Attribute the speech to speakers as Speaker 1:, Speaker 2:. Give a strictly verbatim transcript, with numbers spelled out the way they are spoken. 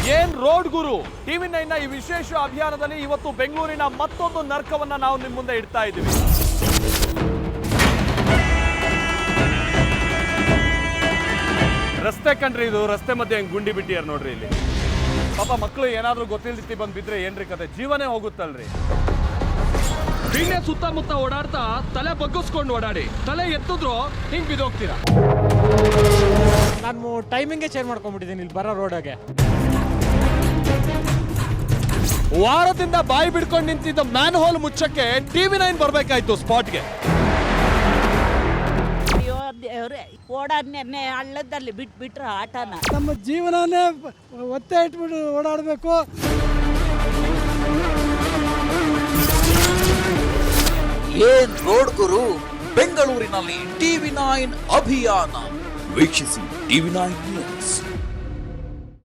Speaker 1: ಏನ್ ರೋಡ್ ಗುರು TV nine ನ ಈ ವಿಶೇಷ ಅಭಿಯಾನದಲ್ಲಿ ಇವತ್ತು ಬೆಂಗಳೂರಿನ ಮತ್ತೊಂದು ನರ್ಕವನ್ನ ನಾವು ನಿಮ್ಮ ಮುಂದೆ ಇಡ್ತಾ ಇದ್ದೀವಿ. ರಸ್ತೆ ಕಂಡ್ರಿ ಇದು, ರಸ್ತೆ ಮಧ್ಯೆ ಹೆಂಗ್ ಗುಂಡಿ ಬಿಟ್ಟಿಯಾರ ನೋಡ್ರಿ ಇಲ್ಲಿ. ಪಾಪ ಮಕ್ಕಳು ಏನಾದ್ರೂ ಗೊತ್ತಿಲ್ದಿತ್ತಿ ಬಂದ್ ಬಿದ್ರೆ ಏನ್ರಿ ಕತೆ, ಜೀವನೇ ಹೋಗುತ್ತಲ್ರಿ. ದಿನೇ ಸುತ್ತಮುತ್ತ ಓಡಾಡ್ತಾ ತಲೆ ಬಗ್ಗಿಸ್ಕೊಂಡು ಓಡಾಡಿ, ತಲೆ ಎತ್ತಿದ್ರು ಹಿಂಗ್ ಬಿದ್ದೋಗ್ತೀರಾ.
Speaker 2: ನಾನು ಟೈಮಿಂಗೇ ಚೇಂಜ್ ಮಾಡ್ಕೊಂಡ್ಬಿಟ್ಟಿದ್ದೀನಿ ಇಲ್ಲಿ ಬರೋ ರೋಡಾಗೆ.
Speaker 1: ವಾರದಿಂದ ಬಾಯಿ ಬಿಡ್ಕೊಂಡು ನಿಂತಿದ್ದ ಮ್ಯಾನ್ ಹೋಲ್ ಮುಚ್ಚಕ್ಕೆ ಟಿವಿ ನೈನ್ ಬರ್ಬೇಕಾಯ್ತು ಸ್ಪಾಟ್ಗೆ.
Speaker 3: ಓಡಾಡ್ನೆ ಹಳ್ಳದಲ್ಲಿ ಬಿಟ್ಬಿಟ್ರೆ ಆಟನ
Speaker 4: ನಮ್ಮ ಜೀವನನೇ ಒತ್ತೆ ಇಟ್ಬಿಟ್ಟು ಓಡಾಡಬೇಕು.
Speaker 5: ಏನ್ ರೋಡ್ ಗುರು ಬೆಂಗಳೂರಿನಲ್ಲಿ ಟಿವಿ ನೈನ್ ಅಭಿಯಾನ ವೀಕ್ಷಿಸಿ ಟಿವಿ ನೈನ್ ನ್ಯೂಸ್.